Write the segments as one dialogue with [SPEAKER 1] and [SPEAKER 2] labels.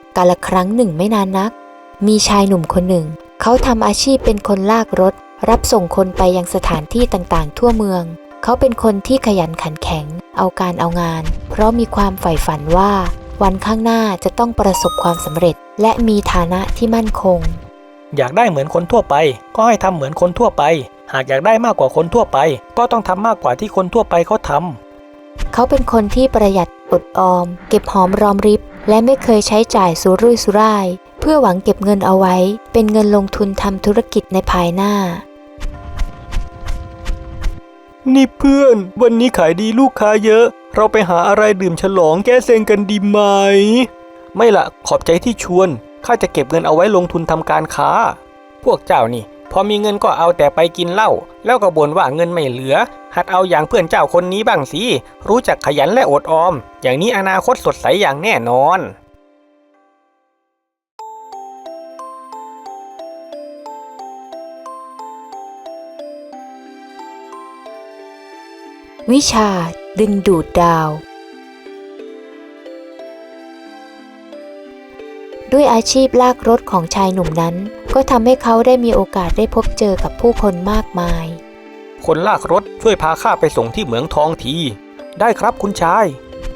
[SPEAKER 1] กาลครั้งหนึ่งไม่นานนักมีชายหนุ่มคนหนึ่งเขาทำอาชีพเป็นคนลากรถรับส่งคนไปยังสถานที่ต่างๆทั่วเมืองเขาเป็นคนที่ขยันขันแข็งเอาการเอางานเพราะมีความใฝ่ฝันว่าวันข้างหน้าจะต้องประสบความสำเร็จและมีฐานะที่มั่นคง
[SPEAKER 2] อยากได้เหมือนคนทั่วไปก็ให้ทำเหมือนคนทั่วไปหากอยากได้มากกว่าคนทั่วไปก็ต้องทำมากกว่าที่คนทั่วไปเขาทำ
[SPEAKER 1] เขาเป็นคนที่ประหยัดอดออมเก็บหอมรอมริบและไม่เคยใช้จ่ายสุรุ่ยสุร่ายเพื่อหวังเก็บเงินเอาไว้เป็นเงินลงทุนทำธุรกิจในภายหน้า
[SPEAKER 2] นี่เพื่อนวันนี้ขายดีลูกค้าเยอะเราไปหาอะไรดื่มฉลองแก้เซ็งกันดีไหมไม่ละขอบใจที่ชวนข้าจะเก็บเงินเอาไว้ลงทุนทำการค้าพวกเจ้านี่พอมีเงินก็เอาแต่ไปกินเหล้าแล้วก็บ่นว่าเงินไม่เหลือหัดเอาอย่างเพื่อนเจ้าคนนี้บ้างสิรู้จักขยันและอดออมอย่างนี้อนาคตสดใสอย่างแน่นอน
[SPEAKER 1] วิชาดึงดูดดาวด้วยอาชีพลากรถของชายหนุ่มนั้นก็ทำให้เขาได้มีโอกาสได้พบเจอกับผู้คนมากมาย
[SPEAKER 2] คนลากรถช่วยพาข้าไปส่งที่เหมืองทองทีได้ครับคุณชาย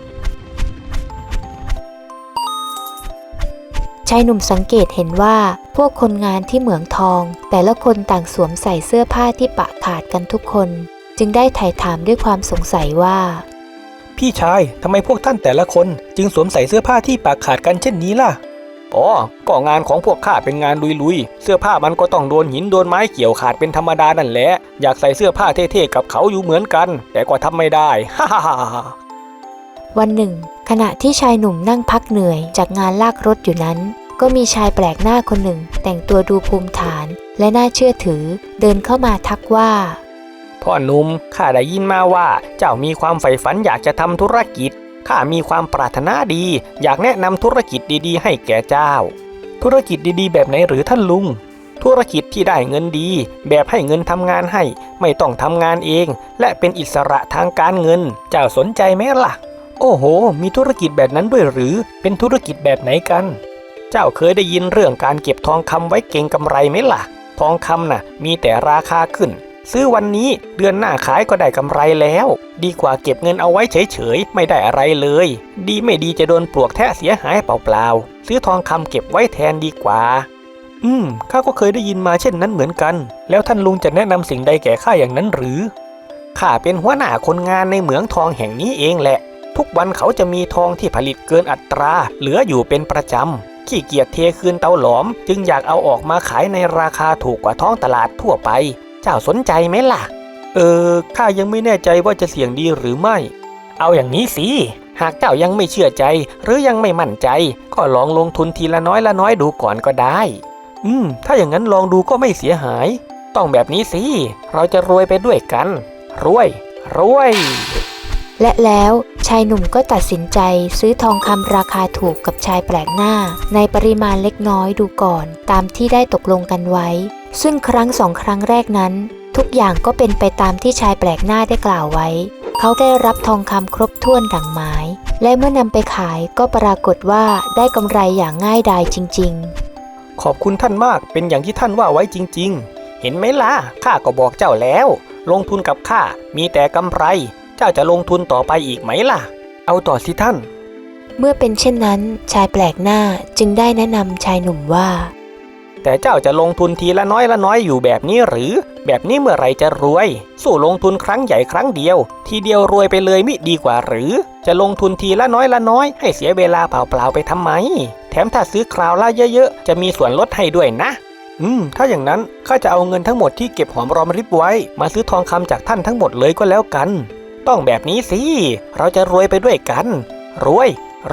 [SPEAKER 1] ชายหนุ่มสังเกตเห็นว่าพวกคนงานที่เหมืองทองแต่ละคนต่างสวมใส่เสื้อผ้าที่ปะขาดกันทุกคนจึงได้ไถ่ถามด้วยความสงสัยว่า
[SPEAKER 2] พี่ชายทำไมพวกท่านแต่ละคนจึงสวมใส่เสื้อผ้าที่ปะขาดกันเช่นนี้ล่ะอ๋อก็งานของพวกข้าเป็นงานลุยๆเสื้อผ้ามันก็ต้องโดนหินโดนไม้เกี่ยวขาดเป็นธรรมดานั่นแหละอยากใส่เสื้อผ้าเท่ๆกับเขาอยู่เหมือนกันแต่ก็ทำไม่ได้ฮ่าฮ่า
[SPEAKER 1] วันหนึ่งขณะที่ชายหนุ่มนั่งพักเหนื่อยจากงานลากรถอยู่นั้นก็มีชายแปลกหน้าคนหนึ่งแต่งตัวดูภูมิฐานและน่าเชื่อถือเดินเข้ามาทักว่า
[SPEAKER 2] พ่อหนุ่มข้าได้ยินมาว่าเจ้ามีความใฝ่ฝันอยากจะทำธุรกิจข้ามีความปรารถนาดีอยากแนะนำธุรกิจดีๆให้แก่เจ้าธุรกิจดีๆแบบไหนหรือท่านลุงธุรกิจที่ได้เงินดีแบบให้เงินทำงานให้ไม่ต้องทำงานเองและเป็นอิสระทางการเงินเจ้าสนใจไหมล่ะโอ้โหมีธุรกิจแบบนั้นด้วยหรือเป็นธุรกิจแบบไหนกันเจ้าเคยได้ยินเรื่องการเก็บทองคำไว้เก็งกำไรไหมล่ะทองคำน่ะมีแต่ราคาขึ้นซื้อวันนี้เดือนหน้าขายก็ได้กำไรแล้วดีกว่าเก็บเงินเอาไว้เฉยๆไม่ได้อะไรเลยดีไม่ดีจะโดนปลวกแทะเสียหายเปล่าๆซื้อทองคำเก็บไว้แทนดีกว่าข้าก็เคยได้ยินมาเช่นนั้นเหมือนกันแล้วท่านลุงจะแนะนำสิ่งใดแก่ข้าอย่างนั้นหรือข้าเป็นหัวหน้าคนงานในเหมืองทองแห่งนี้เองแหละทุกวันเขาจะมีทองที่ผลิตเกินอัตราเหลืออยู่เป็นประจำขี้เกียจเทคืนเตาหลอมจึงอยากเอาออกมาขายในราคาถูกกว่าท้องตลาดทั่วไปเจ้าสนใจไหมล่ะข้ายังไม่แน่ใจว่าจะเสี่ยงดีหรือไม่เอาอย่างนี้สิหากเจ้ายังไม่เชื่อใจหรือยังไม่มั่นใจก็ลองลงทุนทีละน้อยละน้อยดูก่อนก็ได้ถ้าอย่างนั้นลองดูก็ไม่เสียหายต้องแบบนี้สิเราจะรวยไปด้วยกันรวย
[SPEAKER 1] และแล้วชายหนุ่มก็ตัดสินใจซื้อทองคำราคาถูกกับชายแปลกหน้าในปริมาณเล็กน้อยดูก่อนตามที่ได้ตกลงกันไว้ซึ่งครั้งสองครั้งแรกนั้นทุกอย่างก็เป็นไปตามที่ชายแปลกหน้าได้กล่าวไว้เขาได้รับทองคำครบถ้วนดังหมายและเมื่อนำไปขายก็ปรากฏว่าได้กำไรอย่างง่ายดายจริง
[SPEAKER 2] ๆขอบคุณท่านมากเป็นอย่างที่ท่านว่าไว้จริงๆเห็นไหมล่ะข้าก็บอกเจ้าแล้วลงทุนกับข้ามีแต่กำไรเจ้าจะลงทุนต่อไปอีกไหมล่ะเอาต่อสิท่าน
[SPEAKER 1] เมื่อเป็นเช่นนั้นชายแปลกหน้าจึงได้แนะนำชายหนุ่มว่า
[SPEAKER 2] แต่เจ้าจะลงทุนทีละน้อยละน้อยอยู่แบบนี้หรือแบบนี้เมื่อไรจะรวยสู้ลงทุนครั้งใหญ่ครั้งเดียวทีเดียวรวยไปเลยมิดีกว่าหรือจะลงทุนทีละน้อยละน้อยให้เสียเวลาเปล่าๆไปทำไมแถมถ้าซื้อคราวละเยอะๆจะมีส่วนลดให้ด้วยนะถ้าอย่างนั้นข้าจะเอาเงินทั้งหมดที่เก็บหอมรอมริบไว้มาซื้อทองคำจากท่านทั้งหมดเลยก็แล้วกันต้องแบบนี้สิเราจะรวยไปด้วยกันรวย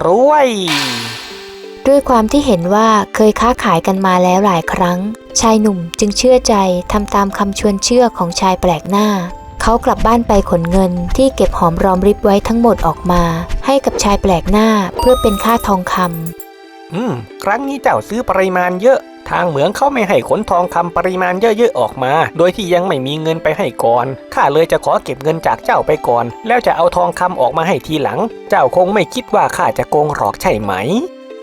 [SPEAKER 1] ด้วยความที่เห็นว่าเคยค้าขายกันมาแล้วหลายครั้งชายหนุ่มจึงเชื่อใจทำตามคำชวนเชื่อของชายแปลกหน้าเขากลับบ้านไปขนเงินที่เก็บหอมรอมริบไว้ทั้งหมดออกมาให้กับชายแปลกหน้าเพื่อเป็นค่าทองค
[SPEAKER 2] ำครั้งนี้เจ้าซื้อปริมาณเยอะทางเหมืองเขาไม่ให้ขนทองคำปริมาณเยอะๆออกมาโดยที่ยังไม่มีเงินไปให้ก่อนข้าเลยจะขอเก็บเงินจากเจ้าไปก่อนแล้วจะเอาทองคำออกมาให้ทีหลังเจ้าคงไม่คิดว่าข้าจะโกงหลอกใช่ไหม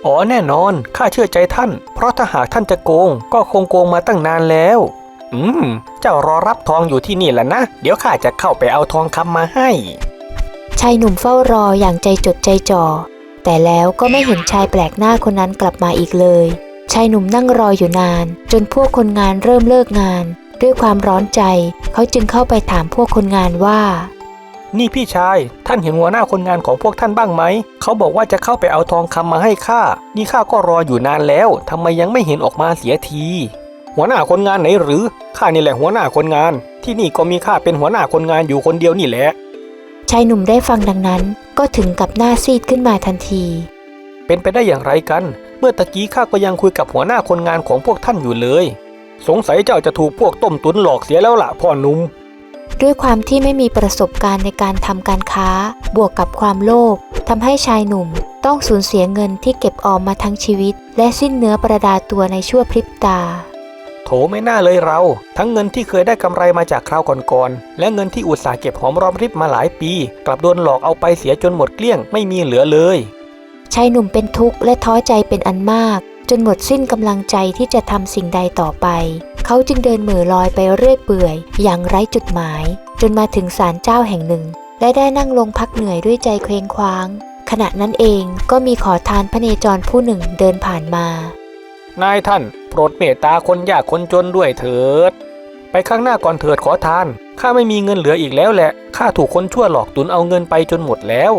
[SPEAKER 2] อ๋อแน่นอนข้าเชื่อใจท่านเพราะถ้าหากท่านจะโกงก็คงโกงมาตั้งนานแล้วเจ้ารอรับทองอยู่ที่นี่แหละนะเดี๋ยวข้าจะเข้าไปเอาทองคำมาให้
[SPEAKER 1] ชายหนุ่มเฝ้ารออย่างใจจดใจจ่อแต่แล้วก็ไม่เห็นชายแปลกหน้าคนนั้นกลับมาอีกเลยชายหนุ่มนั่งรออยู่นานจนพวกคนงานเริ่มเลิกงานด้วยความร้อนใจเขาจึงเข้าไปถามพวกคนงานว่า
[SPEAKER 2] นี่พี่ชายท่านเห็นหัวหน้าคนงานของพวกท่านบ้างไหมเขาบอกว่าจะเข้าไปเอาทองคำมาให้ข้านี่ข้าก็รออยู่นานแล้วทำไมยังไม่เห็นออกมาเสียทีหัวหน้าคนงานไหนหรือข้านี่แหละหัวหน้าคนงานที่นี่ก็มีข้าเป็นหัวหน้าคนงานอยู่คนเดียวนี่แหละ
[SPEAKER 1] ชายหนุ่มได้ฟังดังนั้นก็ถึงกับหน้าซีดขึ้นมาทันที
[SPEAKER 2] เป็นไปได้อย่างไรกันเมื่อตะกี้ข้าก็ยังคุยกับหัวหน้าคนงานของพวกท่านอยู่เลยสงสัยเจ้าจะถูกพวกต้มตุ๋นหลอกเสียแล้วล่ะพ่อหนุ่ม
[SPEAKER 1] ด้วยความที่ไม่มีประสบการณ์ในการทำการค้าบวกกับความโลภทำให้ชายหนุ่มต้องสูญเสียเงินที่เก็บออมมาทั้งชีวิตและสิ้นเนื้อประดาตัวในชั่วพริบตา
[SPEAKER 2] โถไม่น่าเลยเราทั้งเงินที่เคยได้กำไรมาจากคราวก่อนๆและเงินที่อุตสาห์เก็บหอมรอมริบมาหลายปีกลับโดนหลอกเอาไปเสียจนหมดเกลี้ยงไม่มีเหลือเลย
[SPEAKER 1] ชายหนุ่มเป็นทุกข์และท้อใจเป็นอันมากจนหมดสิ้นกำลังใจที่จะทำสิ่งใดต่อไปเขาจึงเดินเหม่อลอยไปเรื่อยเปื่อยอย่างไร้จุดหมายจนมาถึงศาลเจ้าแห่งหนึ่งและได้นั่งลงพักเหนื่อยด้วยใจเคว้งคว้างขณะนั้นเองก็มีขอทานพเนจรผู้หนึ่งเดินผ่านมาน
[SPEAKER 2] ายท่านโปรดเมตตาคนยากคนจนด้วยเถิดไปข้างหน้าก่อนเถิดขอทานข้าไม่มีเงินเหลืออีกแล้วแหละข้าถูกคนชั่วหลอกตุนเอาเงินไปจนหมดแล้ว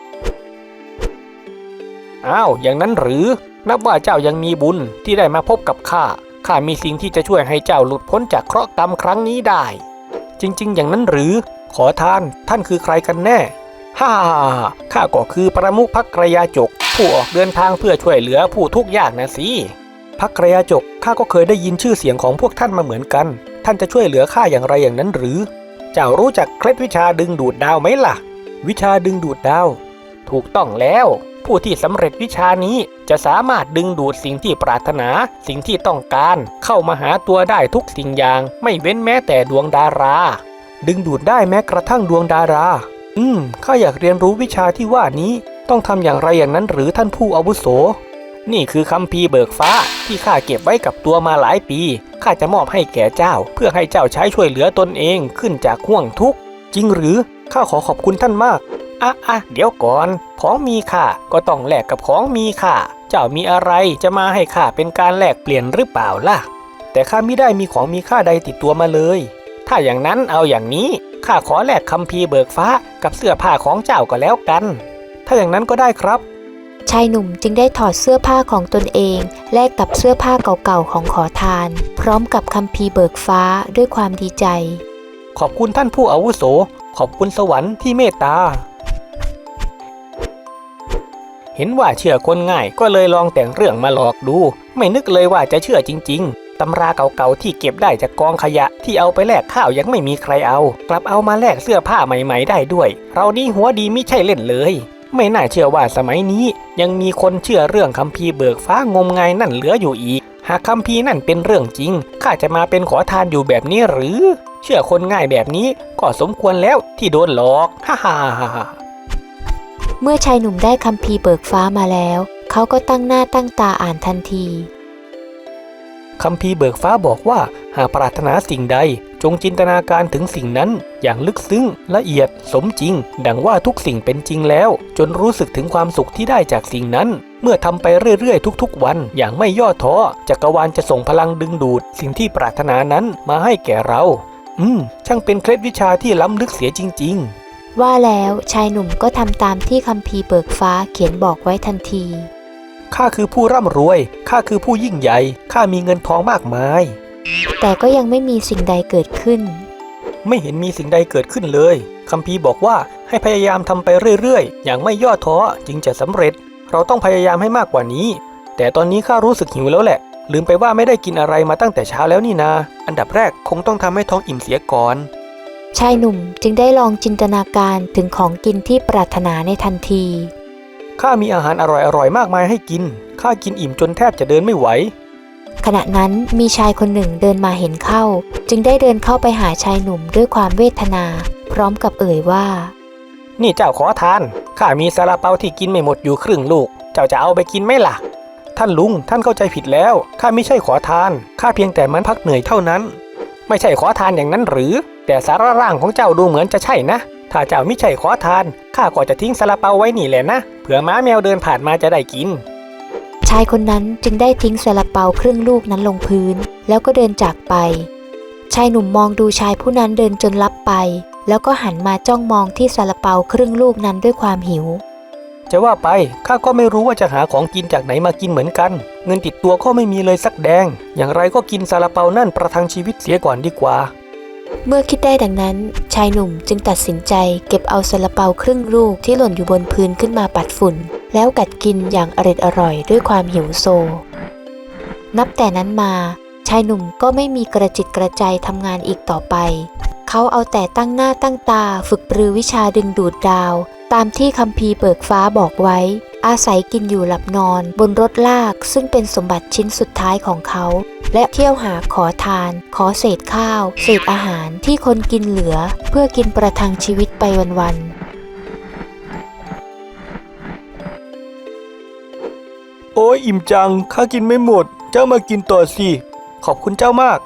[SPEAKER 2] อ้าวอย่างนั้นหรือนับว่าเจ้ายังมีบุญที่ได้มาพบกับข้ามีสิ่งที่จะช่วยให้เจ้าหลุดพ้นจากเคราะห์กรรมครั้งนี้ได้จริงๆอย่างนั้นหรือขอทานท่านคือใครกันแน่ฮ่าข้าก็คือประมุขภักยาจกผู้ออกเดินทางเพื่อช่วยเหลือผู้ทุกข์ยากนะสิภักยาจกข้าก็เคยได้ยินชื่อเสียงของพวกท่านมาเหมือนกันท่านจะช่วยเหลือข้าอย่างไรอย่างนั้นหรือเจ้ารู้จักเคล็ดวิชาดึงดูดดาวไหมล่ะวิชาดึงดูดดาวถูกต้องแล้วผู้ที่สำเร็จวิชานี้จะสามารถดึงดูดสิ่งที่ปรารถนาสิ่งที่ต้องการเข้ามาหาตัวได้ทุกสิ่งอย่างไม่เว้นแม้แต่ดวงดาราดึงดูดได้แม้กระทั่งดวงดาราข้าอยากเรียนรู้วิชาที่ว่านี้ต้องทำอย่างไรอย่างนั้นหรือท่านผู้อาวุโสนี่คือคัมภีร์เบิกฟ้าที่ข้าเก็บไว้กับตัวมาหลายปีข้าจะมอบให้แก่เจ้าเพื่อให้เจ้าใช้ช่วยเหลือตนเองขึ้นจากห่วงทุกข์จริงหรือข้าขอขอบคุณท่านมากเดี๋ยวก่อนของมีค่าก็ต้องแลกกับของมีค่าเจ้ามีอะไรจะมาให้ข้าเป็นการแลกเปลี่ยนหรือเปล่าล่ะแต่ข้าไม่ได้มีของมีค่าใดติดตัวมาเลยถ้าอย่างนั้นเอาอย่างนี้ข้าขอแลกคัมภีร์เบิกฟ้ากับเสื้อผ้าของเจ้าก็แล้วกันถ้าอย่างนั้นก็ได้ครับ
[SPEAKER 1] ชายหนุ่มจึงได้ถอดเสื้อผ้าของตนเองแลกกับเสื้อผ้าเก่าๆของขอทานพร้อมกับคัมภีร์เบิกฟ้าด้วยความดีใจ
[SPEAKER 2] ขอบคุณท่านผู้อาวุโสขอบคุณสวรรค์ที่เมตตาเห็นว่าเชื่อคนง่ายก็เลยลองแต่งเรื่องมาหลอกดูไม่นึกเลยว่าจะเชื่อจริงๆตำราเก่าๆที่เก็บได้จากกองขยะที่เอาไปแลกข้าวยังไม่มีใครเอากลับเอามาแลกเสื้อผ้าใหม่ๆได้ด้วยเรานี่หัวดีไม่ใช่เล่นเลยไม่น่าเชื่อว่าสมัยนี้ยังมีคนเชื่อเรื่องคัมภีร์เบิกฟ้างมงายนั่นเหลืออยู่อีกหากคัมภีร์นั่นเป็นเรื่องจริงข้าจะมาเป็นขอทานอยู่แบบนี้หรือเชื่อคนง่ายแบบนี้ก็สมควรแล้วที่โดนหลอกฮ่า
[SPEAKER 1] เมื่อชายหนุ่มได้คัมภีร์เบิกฟ้ามาแล้วเขาก็ตั้งหน้าตั้งตาอ่านทันที
[SPEAKER 2] คัมภีร์เบิกฟ้าบอกว่าหากปรารถนาสิ่งใดจงจินตนาการถึงสิ่งนั้นอย่างลึกซึ้งละเอียดสมจริงดังว่าทุกสิ่งเป็นจริงแล้วจนรู้สึกถึงความสุขที่ได้จากสิ่งนั้นเมื่อทำไปเรื่อยๆทุกๆวันอย่างไม่ย่อท้อจักรวาลจะส่งพลังดึงดูดสิ่งที่ปรารถนานั้นมาให้แก่เราช่างเป็นเคล็ดวิชาที่ล้ำลึกเสียจริงๆ
[SPEAKER 1] ว่าแล้วชายหนุ่มก็ทำตามที่คัมภีร์เบิกฟ้าเขียนบอกไว้ทันที
[SPEAKER 2] ข้าคือผู้ร่ำรวยข้าคือผู้ยิ่งใหญ่ข้ามีเงินทองมากมาย
[SPEAKER 1] แต่ก็ยังไม่มีสิ่งใดเกิดขึ้น
[SPEAKER 2] ไม่เห็นมีสิ่งใดเกิดขึ้นเลยคัมภีร์บอกว่าให้พยายามทำไปเรื่อยๆอย่างไม่ย่อท้อจึงจะสำเร็จเราต้องพยายามให้มากกว่านี้แต่ตอนนี้ข้ารู้สึกหิวแล้วแหละลืมไปว่าไม่ได้กินอะไรมาตั้งแต่เช้าแล้วนี่นาอันดับแรกคงต้องทำให้ท้องอิ่มเสียก่อน
[SPEAKER 1] ชายหนุ่มจึงได้ลองจินตนาการถึงของกินที่ปรารถนาในทันที
[SPEAKER 2] ข้ามีอาหารอร่อยๆมากมายให้กินข้ากินอิ่มจนแทบจะเดินไม่ไหว
[SPEAKER 1] ขณะนั้นมีชายคนหนึ่งเดินมาเห็นเข้าจึงได้เดินเข้าไปหาชายหนุ่มด้วยความเวทนาพร้อมกับเอ่ยว่า
[SPEAKER 2] นี่เจ้าขอทานข้ามีซาลาเปาที่กินไม่หมดอยู่ครึ่งลูกเจ้าจะเอาไปกินไหมล่ะท่านลุงท่านเข้าใจผิดแล้วข้าไม่ใช่ขอทานข้าเพียงแต่มันพักเหนื่อยเท่านั้นไม่ใช่ขอทานอย่างนั้นหรือแต่สาระร่างของเจ้าดูเหมือนจะใช่นะถ้าเจ้าไม่ใช่ขอทานข้าก็จะทิ้งซาลาเปาไว้นี่แหละนะเผื่อม้าแมวเดินผ่านมาจะได้กิน
[SPEAKER 1] ชายคนนั้นจึงได้ทิ้งซาลาเปาครึ่งลูกนั้นลงพื้นแล้วก็เดินจากไปชายหนุ่มมองดูชายผู้นั้นเดินจนลับไปแล้วก็หันมาจ้องมองที่ซาลาเปาครึ่งลูกนั้นด้วยความหิว
[SPEAKER 2] จะว่าไปข้าก็ไม่รู้ว่าจะหาของกินจากไหนมากินเหมือนกันเงินติดตัวก็ไม่มีเลยสักแดงอย่างไรก็กินซาลาเปานั่นประทังชีวิตเสียก่อนดีกว่า
[SPEAKER 1] เมื่อคิดได้ดังนั้นชายหนุ่มจึงตัดสินใจเก็บเอาซาลาเปาครึ่งลูกที่หล่นอยู่บนพื้นขึ้นมาปัดฝุ่นแล้วกัดกินอย่างอร่อยด้วยความหิวโซนับแต่นั้นมาชายหนุ่มก็ไม่มีกระจิตกระใจทำงานอีกต่อไปเขาเอาแต่ตั้งหน้าตั้งตาฝึกปรือวิชาดึงดูดดาวตามที่คัมภีร์เบิกฟ้าบอกไว้อาศัยกินอยู่หลับนอนบนรถลากซึ่งเป็นสมบัติชิ้นสุดท้ายของเขาและเที่ยวหาขอทานขอเศษข้าวเศษอาหารที่คนกินเหลือเพื่อกินประทังชีวิตไปวัน
[SPEAKER 2] โอ้ยอิ่มจังข้ากินไม่หมดเจ้ามากินต่อสิขอบคุณเจ้ามาก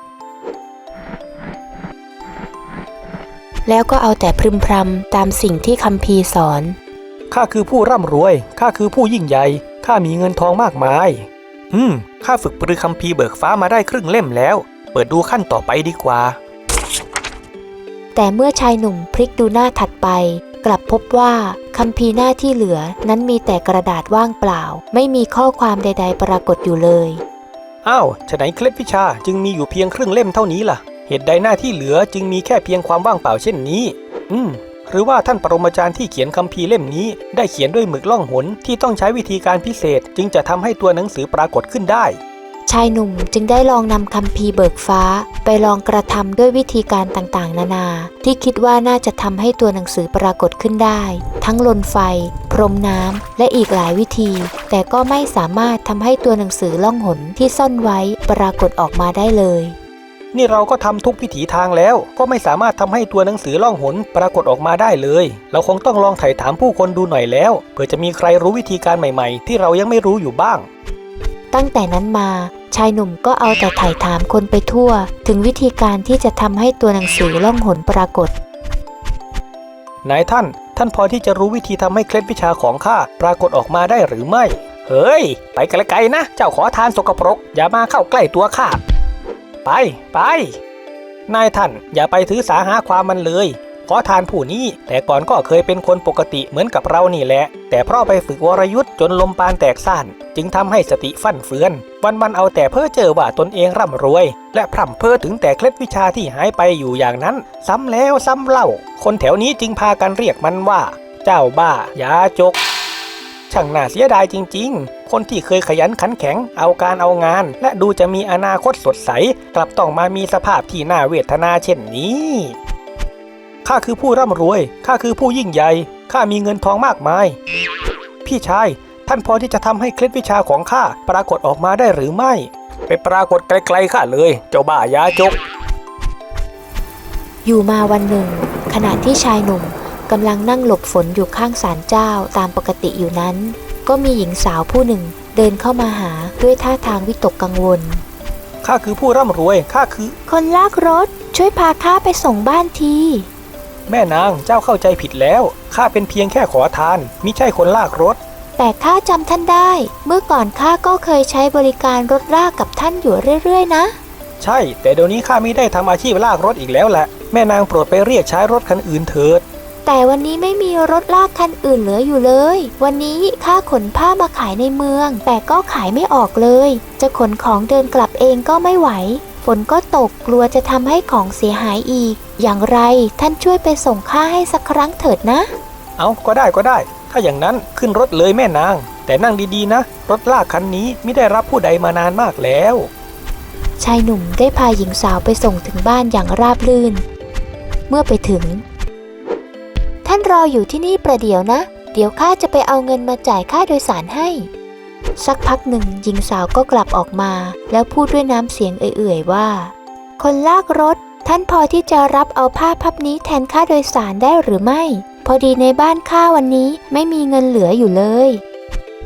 [SPEAKER 1] แล้วก็เอาแต่พึมพำตามสิ่งที่คัมภีร์สอน
[SPEAKER 2] ข้าคือผู้ร่ำรวยข้าคือผู้ยิ่งใหญ่ข้ามีเงินทองมากมายข้าฝึกปรือคัมภีร์เบิกฟ้ามาได้ครึ่งเล่มแล้วเปิดดูขั้นต่อไปดีกว่า
[SPEAKER 1] แต่เมื่อชายหนุ่มพลิกดูหน้าถัดไปกลับพบว่าคัมภีร์หน้าที่เหลือนั้นมีแต่กระดาษว่างเปล่าไม่มีข้อความใดๆปรากฏอยู่เลย
[SPEAKER 2] อ้าวฉะไหนเคล็ดวิชาจึงมีอยู่เพียงครึ่งเล่มเท่านี้ล่ะเหตุใดหน้าที่เหลือจึงมีแค่เพียงความว่างเปล่าเช่นนี้หรือว่าท่านปรมาจารย์ที่เขียนคัมภีร์เล่มนี้ได้เขียนด้วยหมึกล่องหนที่ต้องใช้วิธีการพิเศษจึงจะทำให้ตัวหนังสือปรากฏขึ้นได้
[SPEAKER 1] ชายหนุ่มจึงได้ลองนำคัมภีร์เบิกฟ้าไปลองกระทำด้วยวิธีการต่างๆนานาที่คิดว่าน่าจะทำให้ตัวหนังสือปรากฏขึ้นได้ทั้งลนไฟพรมน้ำและอีกหลายวิธีแต่ก็ไม่สามารถทำให้ตัวหนังสือล่องหนที่ซ่อนไว้ปรากฏออกมาได้เลย
[SPEAKER 2] นี่เราก็ทำทุกวิถีทางแล้วก็ไม่สามารถทำให้ตัวหนังสือล่องหนปรากฏออกมาได้เลยเราคงต้องลองไถ่ถามผู้คนดูหน่อยแล้วเผื่อจะมีใครรู้วิธีการใหม่ๆที่เรายังไม่รู้อยู่บ้าง
[SPEAKER 1] ตั้งแต่นั้นมาชายหนุ่มก็เอาแต่ไถ่ถามคนไปทั่วถึงวิธีการที่จะทำให้ตัวหนังสือล่องหนปรากฏ
[SPEAKER 2] นายท่านพอที่จะรู้วิธีทำให้เคล็ดวิชาของข้าปรากฏออกมาได้หรือไม่เฮ้ยไปไกลๆนะเจ้าขอทานสกปรกอย่ามาเข้าใกล้ตัวข้าไปนายท่านอย่าไปถือสาหาความมันเลยขอทานผู้นี้แต่ก่อนก็เคยเป็นคนปกติเหมือนกับเรานี่แหละแต่เพราะไปฝึกวรยุทธ์จนลมปานแตกซ่านจึงทำให้สติฟั่นเฟือนวันเอาแต่เพ้อเจ้อว่าตนเองร่ำรวยและพร่ำเพ้อถึงแต่เคล็ดวิชาที่หายไปอยู่อย่างนั้นซ้ำแล้วซ้ำเล่าคนแถวนี้จึงพากันเรียกมันว่าเจ้าบ้ายาจกช่างน่าเสียดายจริงๆคนที่เคยขยันขันแข็งเอาการเอางานและดูจะมีอนาคตสดใสกลับต้องมามีสภาพที่น่าเวทนาเช่นนี้ข้าคือผู้ร่ำรวยข้าคือผู้ยิ่งใหญ่ข้ามีเงินทองมากมายพี่ชายท่านพอที่จะทำให้เคล็ดวิชาของข้าปรากฏออกมาได้หรือไม่ไปปรากฏไกลๆข้าเลยเจ้าบ้ายาจก
[SPEAKER 1] อยู่มาวันหนึ่งขณะที่ชายหนุ่มกำลังนั่งหลบฝนอยู่ข้างศาลเจ้าตามปกติอยู่นั้นก็มีหญิงสาวผู้หนึ่งเดินเข้ามาหาด้วยท่าทางวิตกกังวล
[SPEAKER 2] ข้าคือผู้ร่ำรวยข้าคือ
[SPEAKER 1] คนลากรถช่วยพาข้าไปส่งบ้านที
[SPEAKER 2] แม่นางเจ้าเข้าใจผิดแล้วข้าเป็นเพียงแค่ขอทานมิใช่คนลากรถ
[SPEAKER 1] แต่ข้าจำท่านได้เมื่อก่อนข้าก็เคยใช้บริการรถลากกับท่านอยู่เรื่อยๆนะ
[SPEAKER 2] ใช่แต่เดี๋ยวนี้ข้าไม่ได้ทำอาชีพลากรถอีกแล้วแหละแม่นางโปรดไปเรียกใช้รถคันอื่นเถิด
[SPEAKER 1] แต่วันนี้ไม่มีรถลากคันอื่นเหลืออยู่เลยวันนี้ข้าขนผ้ามาขายในเมืองแต่ก็ขายไม่ออกเลยจะขนของเดินกลับเองก็ไม่ไหวฝนก็ตกกลัวจะทำให้ของเสียหายอีกอย่างไรท่านช่วยไปส่งข้าให้สักครั้งเถิดนะ
[SPEAKER 2] เอาก็ได้ถ้าอย่างนั้นขึ้นรถเลยแม่นางแต่นั่งดีๆนะรถลากคันนี้ไม่ได้รับผู้ใดมานานมากแล้ว
[SPEAKER 1] ชายหนุ่มได้พาหญิงสาวไปส่งถึงบ้านอย่างราบรื่นเมื่อไปถึงท่านรออยู่ที่นี่ประเดี๋ยวนะเดี๋ยวข้าจะไปเอาเงินมาจ่ายค่าโดยสารให้สักพักหนึ่งหญิงสาวก็กลับออกมาแล้วพูดด้วยน้ำเสียงเอื่อยๆว่าคนลากรถท่านพอที่จะรับเอาผ้าพับนี้แทนค่าโดยสารได้หรือไม่พอดีในบ้านข้าวันนี้ไม่มีเงินเหลืออยู่เลย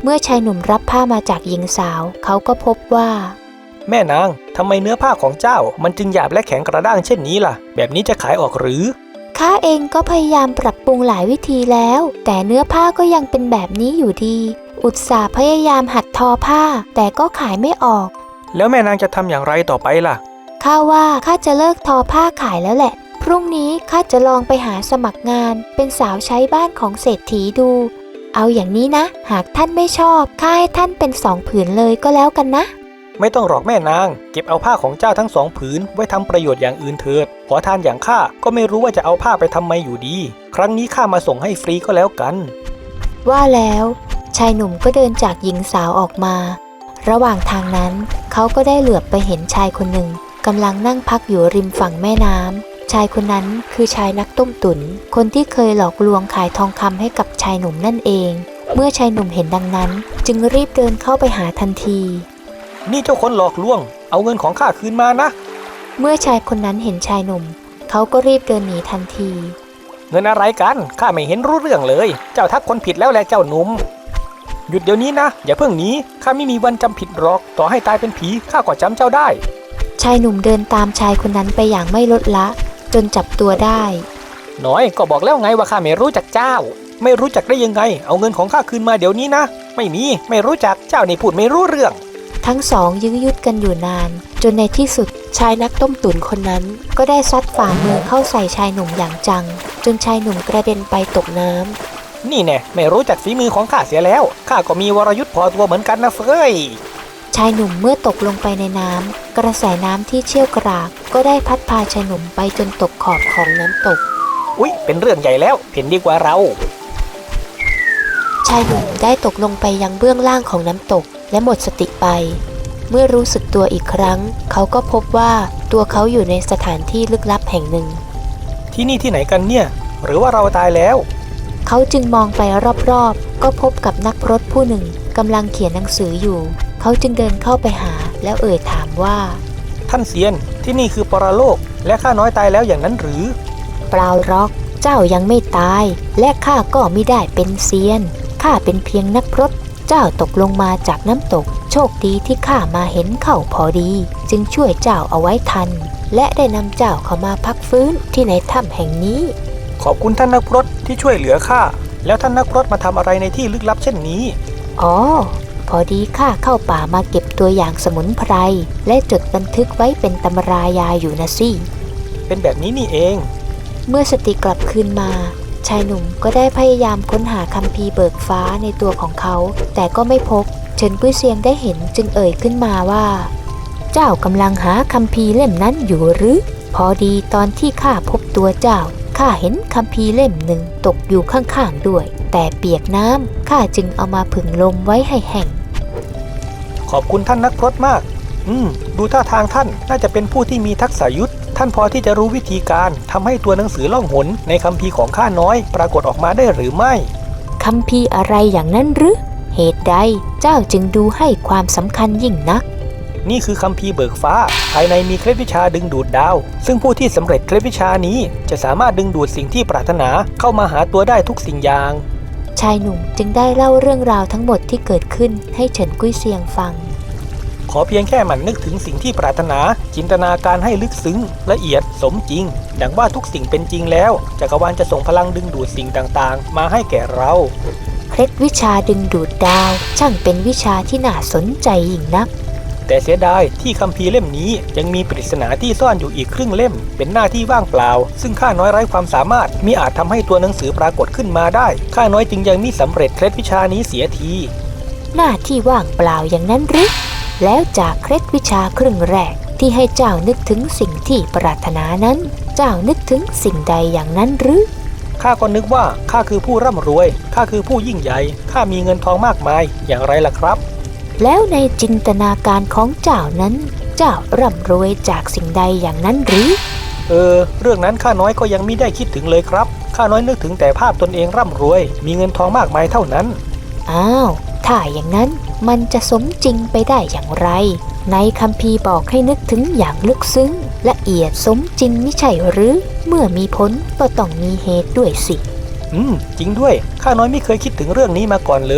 [SPEAKER 1] เมื่อชายหนุ่มรับผ้ามาจากหญิงสาวเขาก็พบว่า
[SPEAKER 2] แม่นางทำไมเนื้อผ้าของเจ้ามันจึงหยาบและแข็งกระด้างเช่นนี้ล่ะแบบนี้จะขายออกหรือ
[SPEAKER 1] ข้าเองก็พยายามปรับปรุงหลายวิธีแล้วแต่เนื้อผ้าก็ยังเป็นแบบนี้อยู่ดีอุตส่าห์พยายามหัดทอผ้าแต่ก็ขายไม่ออก
[SPEAKER 2] แล้วแม่นางจะทำอย่างไรต่อไปล่ะ
[SPEAKER 1] ข้าว่าข้าจะเลิกทอผ้าขายแล้วแหละพรุ่งนี้ข้าจะลองไปหาสมัครงานเป็นสาวใช้บ้านของเศรษฐีดูเอาอย่างนี้นะหากท่านไม่ชอบข้าให้ท่านเป็น2 ผืนเลยก็แล้วกันนะ
[SPEAKER 2] ไม่ต้องหรอกแม่นางเก็บเอาผ้าของเจ้าทั้ง2 ผืนไว้ทำประโยชน์อย่างอื่นเถิดขอทานอย่างข้าก็ไม่รู้ว่าจะเอาผ้าไปทำไมอยู่ดีครั้งนี้ข้ามาส่งให้ฟรีก็แล้วกัน
[SPEAKER 1] ว่าแล้วชายหนุ่มก็เดินจากหญิงสาวออกมาระหว่างทางนั้นเขาก็ได้เหลือบไปเห็นชายคนหนึ่งกำลังนั่งพักอยู่ริมฝั่งแม่น้ำชายคนนั้นคือชายนักต้มตุ๋นคนที่เคยหลอกลวงขายทองคำให้กับชายหนุ่มนั่นเองเมื่อชายหนุ่มเห็นดังนั้นจึงรีบเดินเข้าไปหาทันที
[SPEAKER 2] นี่เจ้าคนหลอกลวงเอาเงินของข้าคืนมานะ
[SPEAKER 1] เมื่อชายคนนั้นเห็นชายหนุ่มเขาก็รีบเดินหนีทันที
[SPEAKER 2] เงินอะไรกันข้าไม่เห็นรู้เรื่องเลยเจ้าทักคนผิดแล้วแหละเจ้าหนุ่มหยุดเดี๋ยวนี้นะอย่าเพิ่งหนีข้าไม่มีวันจำผิดหรอกต่อให้ตายเป็นผีข้าก็จำเจ้าได้
[SPEAKER 1] ชายหนุ่มเดินตามชายคนนั้นไปอย่างไม่ลดละจนจับตัวได้
[SPEAKER 2] น้อยก็บอกแล้วไงว่าข้าไม่รู้จักเจ้าไม่รู้จักได้ยังไงเอาเงินของข้าคืนมาเดี๋ยวนี้นะไม่รู้จักเจ้านี่พูดไม่รู้เรื่อง
[SPEAKER 1] ทั้งสองยื้อยุดกันอยู่นานจนในที่สุดชายนักต้มตุ๋นคนนั้นก็ได้ซัดฝ่ามือเข้าใส่ชายหนุ่มอย่างจังจนชายหนุ่มกระเด็นไปตกน้ำ
[SPEAKER 2] นี่แน่ไม่รู้จักฝีมือของข้าเสียแล้วข้าก็มีวรยุทธ์พอตัวเหมือนกันนะเฟ้ย
[SPEAKER 1] ชายหนุ่มเมื่อตกลงไปในน้ำกระแสน้ำที่เชี่ยวกรากก็ได้พัดพาชายหนุ่มไปจนตกขอบของน้ำตก
[SPEAKER 2] อุ๊ยเป็นเรื่องใหญ่แล้วเห็นดีกว่าเรา
[SPEAKER 1] ชายหนุ่มได้ตกลงไปยังเบื้องล่างของน้ำตกและหมดสติไปเมื่อรู้สึกตัวอีกครั้งเขาก็พบว่าตัวเขาอยู่ในสถานที่ลึกลับแห่งหนึ่ง
[SPEAKER 2] ที่นี่ที่ไหนกันเนี่ยหรือว่าเราตายแล้ว
[SPEAKER 1] เขาจึงมองไปรอบๆก็พบกับนักพรตผู้หนึ่งกำลังเขียนหนังสืออยู่เขาจึงเดินเข้าไปหาแล้วเอ่ยถามว่า
[SPEAKER 2] ท่านเซียนที่นี่คือปรโลกและข้าน้อยตายแล้วอย่างนั้นหรือ
[SPEAKER 1] เปล่าหรอกเจ้ายังไม่ตายและข้าก็ไม่ได้เป็นเซียนข้าเป็นเพียงนักพรตเจ้าตกลงมาจากน้ำตกโชคดีที่ข้ามาเห็นเข้าพอดีจึงช่วยเจ้าเอาไว้ทันและได้นำเจ้าเข้ามาพักฟื้นที่ในถ้ำแห่งนี้
[SPEAKER 2] ขอบคุณท่านนักพรตที่ช่วยเหลือข้าแล้วท่านนักพรตมาทำอะไรในที่ลึกลับเช่นนี้
[SPEAKER 1] อ๋อพอดีข้าเข้าป่ามาเก็บตัวอย่างสมุนไพรและจดบันทึกไว้เป็นตำรายาอยู่นะสิ
[SPEAKER 2] เป็นแบบนี้นี่เอง
[SPEAKER 1] เมื่อสติกลับคืนมาชายหนุ่มก็ได้พยายามค้นหาคัมภีร์เบิกฟ้าในตัวของเขาแต่ก็ไม่พบเฉินกุ้ยเซียงได้เห็นจึงเอ่ยขึ้นมาว่าเจ้ากำลังหาคัมภีร์เล่มนั้นอยู่หรือพอดีตอนที่ข้าพบตัวเจ้าข้าเห็นคัมภีร์เล่มหนึ่งตกอยู่ข้างๆด้วยแต่เปียกน้ำข้าจึงเอามาผึ่งลมไว้ให้แห้ง
[SPEAKER 2] ขอบคุณท่านนักพรตมากดูท่าทางท่านน่าจะเป็นผู้ที่มีทักษะยุทธท่านพอที่จะรู้วิธีการทำให้ตัวหนังสือล่องหนในคัมภีร์ของข้าน้อยปรากฏออกมาได้หรือไม่
[SPEAKER 1] คัมภีร์อะไรอย่างนั้นหรือเหตุใดเจ้าจึงดูให้ความสำคัญยิ่งนัก
[SPEAKER 2] นี่คือคัมภีร์เบิกฟ้าภายในมีเคล็ดวิชาดึงดูดดาวซึ่งผู้ที่สำเร็จเคล็ดวิชานี้จะสามารถดึงดูดสิ่งที่ปรารถนาเข้ามาหาตัวได้ทุกสิ่งอย่าง
[SPEAKER 1] ชายหนุ่มจึงได้เล่าเรื่องราวทั้งหมดที่เกิดขึ้นให้เฉินกุ้ยเซียงฟัง
[SPEAKER 2] ขอเพียงแค่หมั่นนึกถึงสิ่งที่ปรารถนาจินตนาการให้ลึกซึ้งละเอียดสมจริงดังว่าทุกสิ่งเป็นจริงแล้วจักรวาลจะส่งพลังดึงดูดสิ่งต่างๆมาให้แก่เรา
[SPEAKER 1] เคล็ดวิชาดึงดูดดาวช่างเป็นวิชาที่น่าสนใจยิ่งนัก
[SPEAKER 2] แต่เสียดายที่คัมภีร์เล่มนี้ยังมีปริศนาที่ซ่อนอยู่อีกครึ่งเล่มเป็นหน้าที่ว่างเปล่าซึ่งข้าน้อยไร้ความสามารถมิอาจทำให้ตัวหนังสือปรากฏขึ้นมาได้ข้าน้อยจึงยังมิสำเร็จเคล็ดวิชานี้เสียที
[SPEAKER 1] หน้าที่ว่างเปล่าอย่างนั้นหรือแล้วจากเคล็ดวิชาครึ่งแรกที่ให้เจ้านึกถึงสิ่งที่ปรารถนานั้นเจ้านึกถึงสิ่งใดอย่างนั้นหรือ
[SPEAKER 2] ข้าก็นึกว่าข้าคือผู้ร่ำรวยข้าคือผู้ยิ่งใหญ่ข้ามีเงินทองมากมายอย่างไรล่ะครับ
[SPEAKER 1] แล้วในจินตนาการของเจ้านั้นเจ้าร่ำรวยจากสิ่งใดอย่างนั้นหรือ
[SPEAKER 2] เรื่องนั้นข้าน้อยก็ยังไม่ได้คิดถึงเลยครับข้าน้อยนึกถึงแต่ภาพตนเองร่ำรวยมีเงินทองมากมายเท่านั้น
[SPEAKER 1] อ้าวถ้าอย่างนั้นมันจะสมจริงไปได้อย่างไรในคัมภีร์บอกให้นึกถึงอย่างลึกซึ้งละเอียดสมจริงไม่ใช่หรือเมื่อมีผลก็ต้องมีเหตุด้วยสิ
[SPEAKER 2] จริงด้วยข้าน้อยไม่เคยคิดถึงเรื่องนี้มาก่อนเลย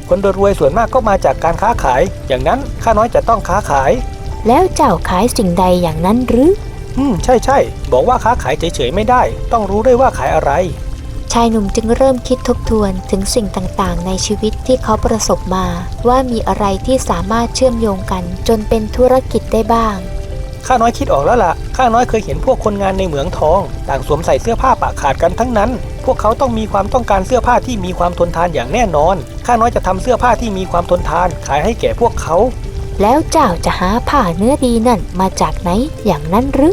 [SPEAKER 2] คนรวยๆส่วนมากก็มาจากการค้าขายอย่างนั้นข้าน้อยจะต้องค้าขาย
[SPEAKER 1] แล้วเจ้าขายสิ่งใดอย่างนั้นหรือ
[SPEAKER 2] ใช่บอกว่าค้าขายเฉยๆไม่ได้ต้องรู้ด้วยว่าขายอะไร
[SPEAKER 1] ชายหนุ่มจึงเริ่มคิดทบทวนถึงสิ่งต่างๆในชีวิตที่เขาประสบมาว่ามีอะไรที่สามารถเชื่อมโยงกันจนเป็นธุรกิจได้บ้าง
[SPEAKER 2] ข้าน้อยคิดออกแล้วล่ะข้าน้อยเคยเห็นพวกคนงานในเหมืองทองต่างสวมใส่เสื้อผ้าปะขาดกันทั้งนั้นพวกเขาต้องมีความต้องการเสื้อผ้าที่มีความทนทานอย่างแน่นอนข้าน้อยจะทำเสื้อผ้าที่มีความทนทานขายให้แก่พวกเขา
[SPEAKER 1] แล้วเจ้าจะหาผ้าเนื้อดีนั่นมาจากไหนอย่างนั้นหรือ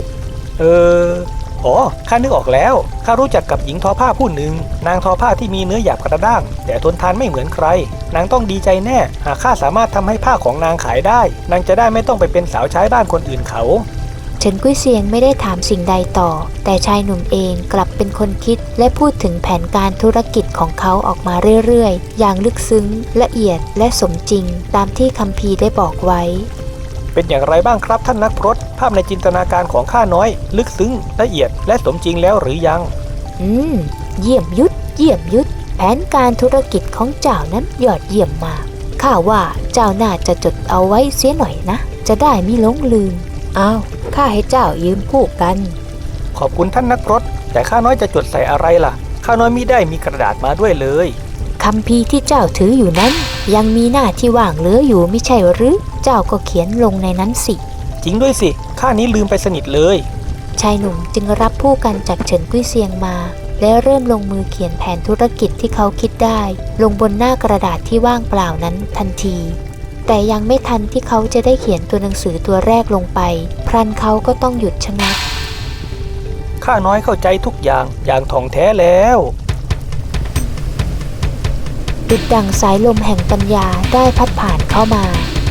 [SPEAKER 2] ข้านึกออกแล้วข้ารู้จักกับหญิงทอผ้าผู้หนึ่งนางทอผ้าที่มีเนื้อหยาบกระด้างแต่ทนทานไม่เหมือนใครนางต้องดีใจแน่หากข้าสามารถทำให้ผ้าของนางขายได้นางจะได้ไม่ต้องไปเป็นสาวใช้บ้านคนอื่นเขา
[SPEAKER 1] เฉินกุ้ยเซียงไม่ได้ถามสิ่งใดต่อแต่ชายหนุ่มเองกลับเป็นคนคิดและพูดถึงแผนการธุรกิจของเขาออกมาเรื่อยๆอย่างลึกซึ้งละเอียดและสมจริงตามที่คัมภีร์ได้บอกไว้
[SPEAKER 2] เป็นอย่างไรบ้างครับท่านนักพรตภาพในจินตนาการของข้าน้อยลึกซึ้งละเอียดและสมจริงแล้วหรือยัง
[SPEAKER 1] เยี่ยมยุทธแผนการธุรกิจของเจ้านั้นยอดเยี่ยมมากข้าว่าเจ้าน่าจะจดเอาไว้เสียหน่อยนะจะได้ไม่หลงลืมข้าให้เจ้ายืมพูดกัน
[SPEAKER 2] ขอบคุณท่านนักพรตแต่ข้าน้อยจะจดใส่อะไรล่ะข้าน้อยมิได้มีกระดาษมาด้วยเลย
[SPEAKER 1] คัมภีร์ที่เจ้าถืออยู่นั้นยังมีหน้าที่ว่างเหลืออยู่ไม่ใช่หรือเจ้าก็เขียนลงในนั้นสิ
[SPEAKER 2] จริงด้วยสิข้านี้ลืมไปสนิทเลย
[SPEAKER 1] ชายหนุ่มจึงรับผู้กันจากเฉินกุ้ยเซียงมาและเริ่มลงมือเขียนแผนธุรกิจที่เขาคิดได้ลงบนหน้ากระดาษที่ว่างเปล่านั้นทันทีแต่ยังไม่ทันที่เขาจะได้เขียนตัวหนังสือตัวแรกลงไปพลันเขาก็ต้องหยุดชะงัก
[SPEAKER 2] ข้าน้อยเข้าใจทุกอย่างท่องแท้แล้ว
[SPEAKER 1] ดุจดั่งสายลมแห่งปัญญาได้พัดผ่านเข้ามา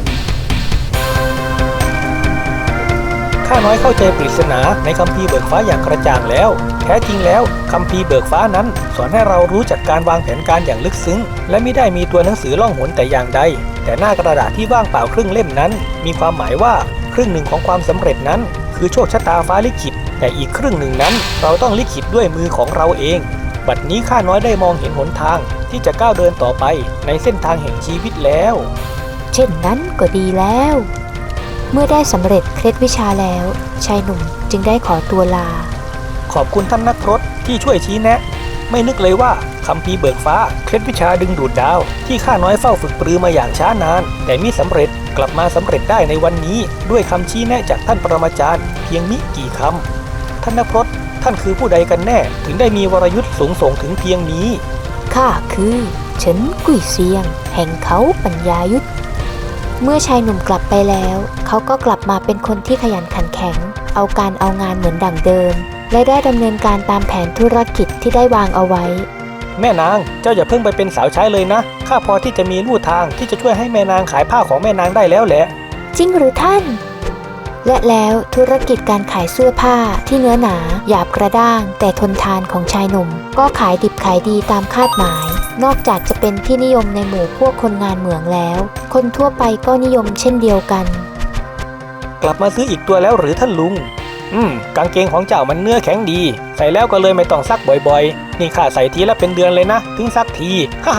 [SPEAKER 2] ข้าน้อยเข้าใจปริศนาในคัมภีร์เบิกฟ้าอย่างกระจ่างแล้วแท้จริงแล้วคัมภีร์เบิกฟ้านั้นสอนให้เรารู้จักการวางแผนการอย่างลึกซึ้งและไม่ได้มีตัวหนังสือล่องหนแต่อย่างใดแต่หน้ากระดาษที่ว่างเปล่าครึ่งเล่มนั้นมีความหมายว่าครึ่งหนึ่งของความสำเร็จนั้นคือโชคชะตาฟ้าลิขิตแต่อีกครึ่งหนึ่งนั้นเราต้องลิขิตด้วยมือของเราเองบัดนี้ข้าน้อยได้มองเห็นหนทางที่จะก้าวเดินต่อไปในเส้นทางแห่งชีวิตแล้ว
[SPEAKER 1] เช่นนั้นก็ดีแล้วเมื่อได้สำเร็จเคล็ดวิชาแล้วชายหนุ่มจึงได้ขอตัวลา
[SPEAKER 2] ขอบคุณท่านนักพรตที่ช่วยชี้แนะไม่นึกเลยว่าคัมภีร์เบิกฟ้าเคล็ดวิชาดึงดูดดาวที่ข้าน้อยเฝ้าฝึกปรือมาอย่างช้านานแต่มิสำเร็จกลับมาสำเร็จได้ในวันนี้ด้วยคำชี้แนะจากท่านปรมาจารย์เพียงมิกี่คำท่านนักพรตท่านคือผู้ใดกันแน่ถึงได้มีวรยุทธ์สูงส่งถึงเพียงนี้
[SPEAKER 1] ข้าคือเฉินกุ้ยเซียงแห่งเขาปัญญายุทธเมื่อชายหนุ่มกลับไปแล้วเขาก็กลับมาเป็นคนที่ขยันขันแข็งเอาการเอางานเหมือนดั่งเดิมและได้ดำเนินการตามแผนธุรกิจที่ได้วางเอาไว้
[SPEAKER 2] แม่นางเจ้าอย่าเพิ่งไปเป็นสาวใช้เลยนะข้าพอที่จะมีลู่ทางที่จะช่วยให้แม่นางขายผ้าของแม่นางได้แล้วแหละ
[SPEAKER 1] จริงหรือท่านและแล้วธุรกิจการขายเสื้อผ้าที่เนื้อหนาหยาบกระด้างแต่ทนทานของชายหนุ่มก็ขายดิบขายดีตามคาดหมายนอกจากจะเป็นที่นิยมในหมู่พวกคนงานเหมืองแล้วคนทั่วไปก็นิยมเช่นเดียวกัน
[SPEAKER 2] กลับมาซื้ออีกตัวแล้วหรือท่านลุงกางเกงของเจ้ามันเนื้อแข็งดีใส่แล้วก็เลยไม่ต้องซักบ่อยๆนี่ข้าใส่ทีละเป็นเดือนเลยนะถึงซักทีฮ่า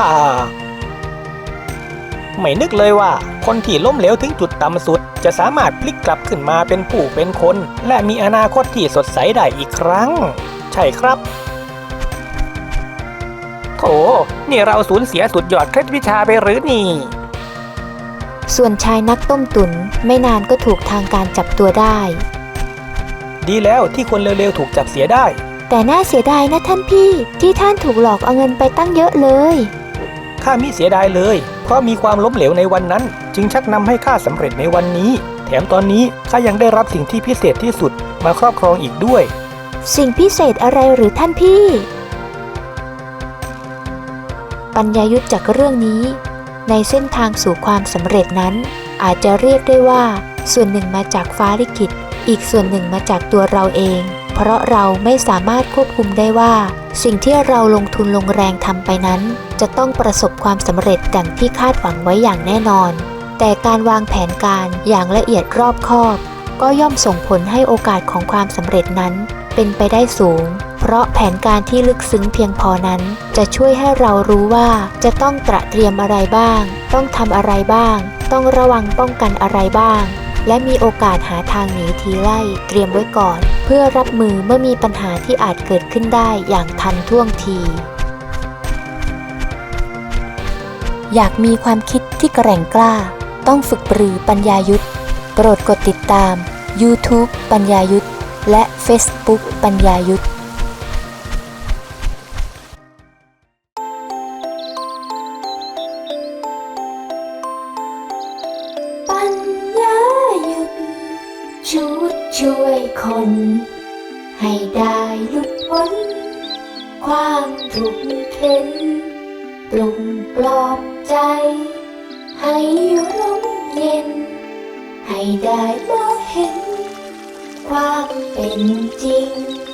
[SPEAKER 2] ไม่นึกเลยว่าคนที่ล้มเหลวถึงจุดต่ำสุดจะสามารถพลิกกลับขึ้นมาเป็นผู้เป็นคนและมีอนาคตที่สดใสได้อีกครั้งใช่ครับโถนี่เราสูญเสียสุดยอดเคล็ดวิชาไปหรือนี่
[SPEAKER 1] ส่วนชายนักต้มตุ๋นไม่นานก็ถูกทางการจับตัวได้
[SPEAKER 2] ดีแล้วที่คนเร็วๆถูกจับเสียได้
[SPEAKER 1] แต่น่าเสียดายนะท่านพี่ที่ท่านถูกหลอกเอาเงินไปตั้งเยอะเลย
[SPEAKER 2] ข้ามิเสียดายเลยเพราะมีความล้มเหลวในวันนั้นจึงชักนำให้ข้าสำเร็จในวันนี้แถมตอนนี้ข้ายังได้รับสิ่งที่พิเศษที่สุดมาครอบครองอีกด้วย
[SPEAKER 1] สิ่งพิเศษอะไรหรือท่านพี่ปัญญายุทธจากเรื่องนี้ในเส้นทางสู่ความสำเร็จนั้นอาจจะเรียกได้ว่าส่วนหนึ่งมาจากฟ้าลิขิตอีกส่วนหนึ่งมาจากตัวเราเองเพราะเราไม่สามารถควบคุมได้ว่าสิ่งที่เราลงทุนลงแรงทำไปนั้นจะต้องประสบความสำเร็จดังที่คาดหวังไว้อย่างแน่นอนแต่การวางแผนการอย่างละเอียดรอบคอบก็ย่อมส่งผลให้โอกาสของความสำเร็จนั้นเป็นไปได้สูงเพราะแผนการที่ลึกซึ้งเพียงพอนั้นจะช่วยให้เรารู้ว่าจะต้องตระเตรียมอะไรบ้างต้องทำอะไรบ้างต้องระวังป้องกันอะไรบ้างและมีโอกาสหาทางหนีทีไล่เตรียมไว้ก่อนเพื่อรับมือเมื่อมีปัญหาที่อาจเกิดขึ้นได้อย่างทันท่วงทีอยากมีความคิดที่แกร่งกล้าต้องฝึกปรือปัญญายุทธโปรดกดติดตาม YouTube ปัญญายุทธและ Facebook ปัญญายุทธปัญญายุทธชุดช่วยคนให้ได้หลุดพ้นความทุกข์เข็นปลุกปลอบใจให้ร่มเย็นให้ได้มองเห็นความเป็นจริง